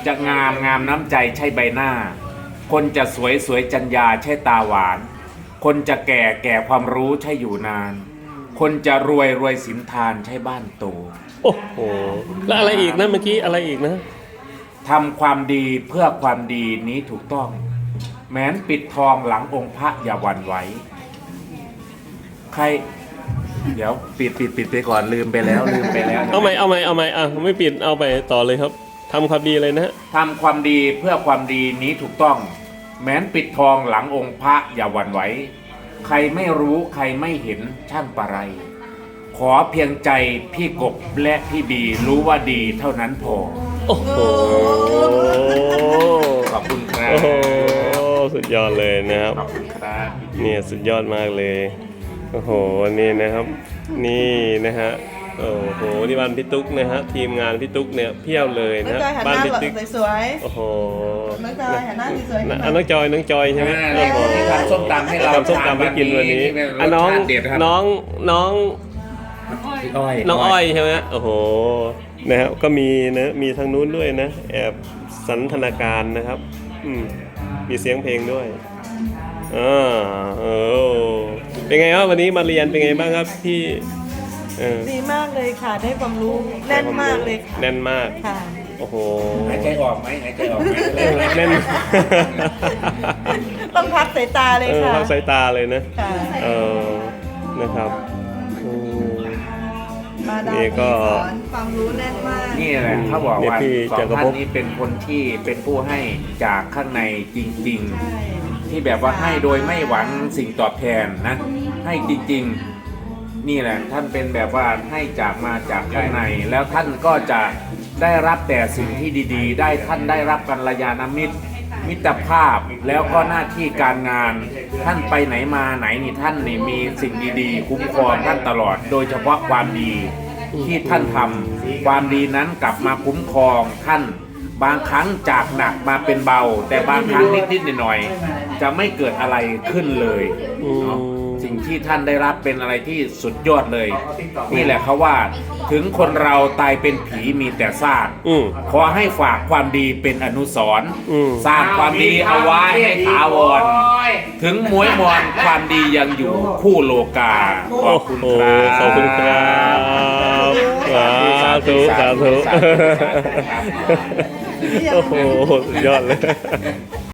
จะงามงามน้ำใจใช่ใบหน้าคนจะสวยสวยจัญญาใช่ตาหวานคนจะแก่แก่ความรู้ใช่อยู่นานคนจะรวยรวยสินทานใช่บ้านโตโอ้โหแล้วอะไรอีกนะเมื่อกี้อะไรอีกนะทำความดีเพื่อความดีนี้ถูกต้องแม้นปิดทองหลังองค์พระอย่าหวั่นไหวใครเดี๋ยวปิดไปก่อนลืมไปแล้วเอาใหม่อ่ะไม่ปิดเอาไปต่อเลยครับทำความดีเลยนะทำความดีเพื่อความดีนี้ถูกต้องแม้นปิดทองหลังองค์พระอย่าหวั่นไหวใครไม่รู้ใครไม่เห็นช่างปะไรขอเพียงใจพี่กบและพี่บีรู้ว่าดีเท่านั้นพอโอ้โหขอบคุณครับโอ้โหสุดยอดเลยนะครับขอบคุณครับเนี่ยสุดยอดมากเลยโอ้โหนี่นะครับนี่นะฮะโอ้โหนี่บ้านพี่ตุ๊กนะฮะทีมงานพี่ตุ๊กเนี่ยเพียบเลยนะบ้านพี่ตุ๊กสวยโอ้โหน้องจอยหันหน้าสวยน้องจอยใช่ไหมที่ทำส้มตำให้เราทำส้มตำให้กินวันนี้น้องอ้อยใช่ไหมโอ้โหนะครับก็มีนะมีทางนู้นด้วยนะแอบสันทนาการนะครับมีเสียงเพลงด้วยเป็นไงครับวันนี้มาเรียนเป็นไงบ้างครับพี่ดีมากเลยค่ะได้ความรู้แน่นมากเลยแน่นมากค่ะโอ้โหหายใจออกไหมแน่นต้องพักสายตาเลยค่ะพักสายตาเลยนะนะครับนี่ก็ความรู้แน่นมากนี่แหละเขาบอกว่าสองท่านนี้เป็นคนที่เป็นผู้ให้จากข้างในจริงๆที่แบบว่าให้โดยไม่หวังสิ่งตอบแทนนะให้จริงๆนี่แหละท่านเป็นแบบว่าให้มาจากข้างในแล้วท่านก็จะได้รับแต่สิ่งที่ดีๆได้ท่านได้รับกัลยาณมิตรภาพแล้วก็หน้าที่การงานท่านไปไหนมาไหนนี่ท่านนี่มีสิ่งดีๆคุ้มครองท่านตลอดโดยเฉพาะความดีที่ท่านทำความดีนั้นกลับมาคุ้มครองท่านบางครั้งจากหนักมาเป็นเบาแต่บางครั้งนิดๆหน่อยๆจะไม่เกิดอะไรขึ้นเลยเนาะสิ่งที่ท่านได้รับเป็นอะไรที่สุดยอดเลยนี่แหละเขาว่าถึงคนเราตายเป็นผีมีแต่ซากขอให้ฝากความดีเป็นอนุสรณ์สร้างความดีเอาไว้ให้ถาวรถึงมวยมอนความดียังอยู่คู่โลกาขอบคุณครับขอบคุณครับสาธุโอ้โหสุดยอดเลย